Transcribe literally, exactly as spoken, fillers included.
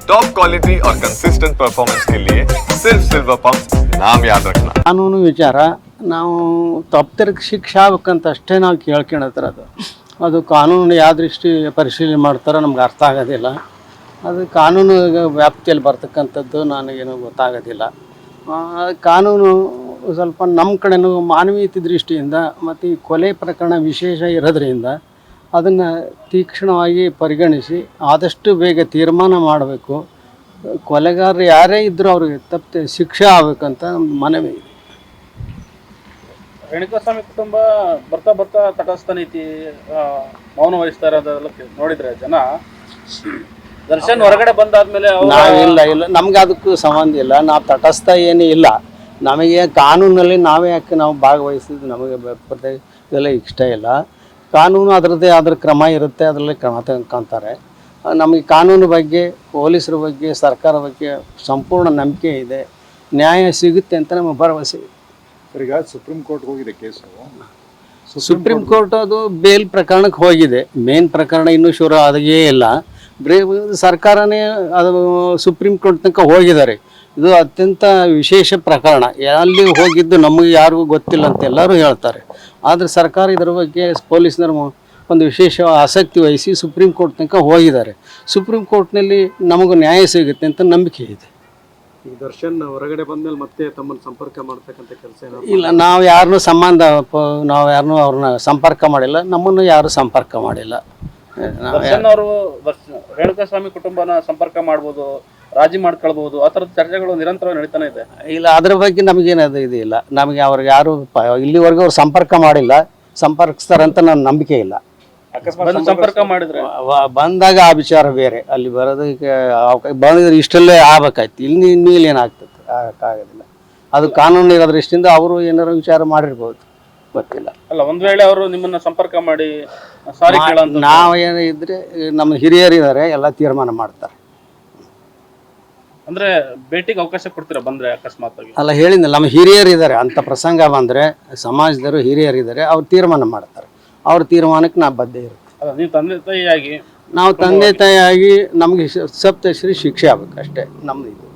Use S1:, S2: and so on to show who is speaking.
S1: Top quality और consistent performance के लिए सिर्फ सिल्वर पंप नाम याद रखना।
S2: ಕಾನೂನು ವಿಚಾರ ನಾವು ತಪ್ಪಿದ್ದಕ್ಕೆ ಶಿಕ್ಷೆ ಆಗ್ಬೇಕಂತ ಅಷ್ಟೇ ನಾವು ಕೇಳ್ಕೊಳತ್ರ ಅದು ಅದು ಕಾನೂನು ಯಾವ ದೃಷ್ಟಿ ಪರಿಶೀಲನೆ ಮಾಡ್ತಾರೋ ನಮ್ಗೆ ಅರ್ಥ ಆಗೋದಿಲ್ಲ. ಅದು ಕಾನೂನು ವ್ಯಾಪ್ತಿಯಲ್ಲಿ ಬರ್ತಕ್ಕಂಥದ್ದು ನನಗೇನು ಗೊತ್ತಾಗೋದಿಲ್ಲ. ಕಾನೂನು ಸ್ವಲ್ಪ ನಮ್ಮ ಕಡೆನೂ ಮಾನವೀಯತೆ ದೃಷ್ಟಿಯಿಂದ ಮತ್ತು ಈ ಕೊಲೆ ಪ್ರಕರಣ ವಿಶೇಷ ಇರೋದ್ರಿಂದ ಅದನ್ನು ತೀಕ್ಷ್ಣವಾಗಿ ಪರಿಗಣಿಸಿ ಆದಷ್ಟು ಬೇಗ ತೀರ್ಮಾನ ಮಾಡಬೇಕು. ಕೊಲೆಗಾರರು ಯಾರೇ ಇದ್ದರೂ ಅವ್ರಿಗೆ ತಪ್ಪು ಶಿಕ್ಷೆ ಆಗಬೇಕಂತ ನಮ್ಮ ಮನವಿ ಇದೆ.
S3: ರೇಣುಕಾಸ್ವಾಮಿ ಕುಟುಂಬ ಬರ್ತಾ ಬರ್ತಾ ತಟಸ್ಥ ನೀತಿ ಮೌನ ವಹಿಸ್ತಾ ಇರೋದೆಲ್ಲ ನೋಡಿದ್ರೆ ಜನ ದರ್ಶನ್ ಹೊರಗಡೆ ಬಂದಾದ್ಮೇಲೆ
S2: ನಾವಿಲ್ಲ ಇಲ್ಲ ನಮ್ಗೆ ಅದಕ್ಕೂ ಸಂಬಂಧ ಇಲ್ಲ. ನಾವು ತಟಸ್ಥ ಏನೂ ಇಲ್ಲ. ನಮಗೆ ಕಾನೂನಲ್ಲಿ ನಾವೇ ಯಾಕೆ ನಾವು ಭಾಗವಹಿಸಿದ್ದು ನಮಗೆ ಇದೆಲ್ಲ ಇಷ್ಟ ಇಲ್ಲ. ಕಾನೂನು ಅದರದ್ದೇ ಆದ್ರ ಕ್ರಮ ಇರುತ್ತೆ, ಅದರಲ್ಲಿ ಕ್ರಮ ತೆಗೆದುಕೊಂತಾರೆ. ನಮಗೆ ಕಾನೂನು ಬಗ್ಗೆ, ಪೊಲೀಸರ ಬಗ್ಗೆ, ಸರ್ಕಾರ ಬಗ್ಗೆ ಸಂಪೂರ್ಣ ನಂಬಿಕೆ ಇದೆ. ನ್ಯಾಯ ಸಿಗುತ್ತೆ ಅಂತ ನಮಗೆ ಭರವಸೆ ಇದೆ.
S4: ಈಗ ಸುಪ್ರೀಂ ಕೋರ್ಟ್ ಹೋಗಿದೆ ಕೇಸು.
S2: ಸುಪ್ರೀಂ ಕೋರ್ಟ್ ಅದು ಬೇಲ್ ಪ್ರಕರಣಕ್ಕೆ ಹೋಗಿದೆ. ಮೇನ್ ಪ್ರಕರಣ ಇನ್ನೂ ಶುರು ಆದಾಗೇ ಇಲ್ಲ. ಬ್ರೇ ಸರ್ಕಾರನೇ ಅದು ಸುಪ್ರೀಂ ಕೋರ್ಟ್ ತನಕ ಹೋಗಿದ್ದಾರೆ. ಇದು ಅತ್ಯಂತ ವಿಶೇಷ ಪ್ರಕರಣ. ಅಲ್ಲಿ ಹೋಗಿದ್ದು ನಮಗೆ ಯಾರಿಗೂ ಗೊತ್ತಿಲ್ಲ ಅಂತ ಎಲ್ಲರೂ ಹೇಳ್ತಾರೆ. ಆದರೆ ಸರ್ಕಾರ ಇದರ ಬಗ್ಗೆ ಪೊಲೀಸ್ನವರು ಒಂದು ವಿಶೇಷ ಆಸಕ್ತಿ ವಹಿಸಿ ಸುಪ್ರೀಂ ಕೋರ್ಟ್ ತನಕ ಹೋಗಿದ್ದಾರೆ. ಸುಪ್ರೀಂ ಕೋರ್ಟ್ನಲ್ಲಿ ನಮಗೂ ನ್ಯಾಯ ಸಿಗುತ್ತೆ ಅಂತ ನಂಬಿಕೆ ಇದೆ.
S5: ಈಗ ದರ್ಶನ್ ಹೊರಗಡೆ ಬಂದ್ಮೇಲೆ ಮತ್ತೆ ತಮ್ಮನ್ನು ಸಂಪರ್ಕ ಮಾಡ್ತಕ್ಕಂಥ ಕೆಲಸ
S2: ಇಲ್ಲ, ನಾವು ಯಾರನ್ನೂ ಸಂಬಂಧ ನಾವು ಯಾರನ್ನೂ ಅವ್ರನ್ನ ಸಂಪರ್ಕ ಮಾಡಿಲ್ಲ. ನಮ್ಮನ್ನು ಯಾರು ಸಂಪರ್ಕ ಮಾಡಿಲ್ಲ.
S3: ದರ್ಶನ್ ಅವರು ರೇಣುಕಾಸ್ವಾಮಿ ಕುಟುಂಬನ ಸಂಪರ್ಕ ಮಾಡ್ಬೋದು, ರಾಜಿ ಮಾಡ್ಕೊಳ್ಬಹುದು, ಆ ಥರದ ಚರ್ಚೆಗಳು ನಿರಂತರವಾಗಿ ನಡೀತಾನೆ ಇದೆ.
S2: ಇಲ್ಲ, ಅದ್ರ ಬಗ್ಗೆ ನಮಗೇನದು ಇದು ಇಲ್ಲ. ನಮಗೆ ಅವ್ರಿಗೆ ಯಾರು ಇಲ್ಲಿವರೆಗೂ ಅವ್ರು ಸಂಪರ್ಕ ಮಾಡಿಲ್ಲ, ಸಂಪರ್ಕಿಸ್ತಾರಂತ ನನ್ನ ನಂಬಿಕೆ ಇಲ್ಲ.
S3: ಅಕಸ್ಮಾತ್ ಸಂಪರ್ಕ ಮಾಡಿದ್ರೆ
S2: ಬಂದಾಗ ಆ ವಿಚಾರ ಬೇರೆ. ಅಲ್ಲಿ ಬರೋದಕ್ಕೆ ಬಂದಿದ್ರೆ ಇಷ್ಟಲ್ಲೇ ಆಗ್ಬೇಕಾಯ್ತು. ಇಲ್ಲಿ ಇನ್ನೂ ಏನಾಗ್ತದೆ ಆಗೋದಿಲ್ಲ. ಅದು ಕಾನೂನು ಇರೋ ದೃಷ್ಟಿಯಿಂದ ಅವರು ಏನಾರು ವಿಚಾರ ಮಾಡಿರ್ಬೋದು, ಗೊತ್ತಿಲ್ಲ.
S3: ಅಲ್ಲ, ಒಂದ್ ವೇಳೆ ಅವರು ನಿಮ್ಮನ್ನ ಸಂಪರ್ಕ ಮಾಡಿ ಸಾರಿ ಕೇಳಂತ
S2: ನಾವು ಏನೋ ಇದ್ರೆ ನಮ್ಮ ಹಿರಿಯರಿದ್ದಾರೆ, ಎಲ್ಲ ತೀರ್ಮಾನ ಮಾಡ್ತಾರೆ.
S3: ಅಂದ್ರೆ ಭೇಟಿಗೆ ಅವಕಾಶ ಕೊಡ್ತೀರಾ ಬಂದ್ರೆ ಅಕಸ್ಮಾತ್ ಆಗಿ?
S2: ಅಲ್ಲ, ಹೇಳಿದ್ನಲ್ಲ, ನಮ್ಮ ಹಿರಿಯರಿದ್ದಾರೆ. ಅಂಥ ಪ್ರಸಂಗ ಬಂದರೆ ಸಮಾಜದವರು ಹಿರಿಯರಿದ್ದಾರೆ, ಅವ್ರು ತೀರ್ಮಾನ ಮಾಡ್ತಾರೆ. ಅವ್ರ ತೀರ್ಮಾನಕ್ಕೆ ನಾವು ಬದ್ಧ ಇರುತ್ತೆ.
S3: ಅಲ್ಲ, ನೀವು ತಂದೆ ತಾಯಿಯಾಗಿ
S2: ನಾವು ತಂದೆ ತಾಯಿಯಾಗಿ ನಮಗೆ ಸಪ್ತಶ್ರೀ ಶಿಕ್ಷೆ ಆಗ್ಬೇಕು ಅಷ್ಟೇ ನಮ್ದು ಇದು.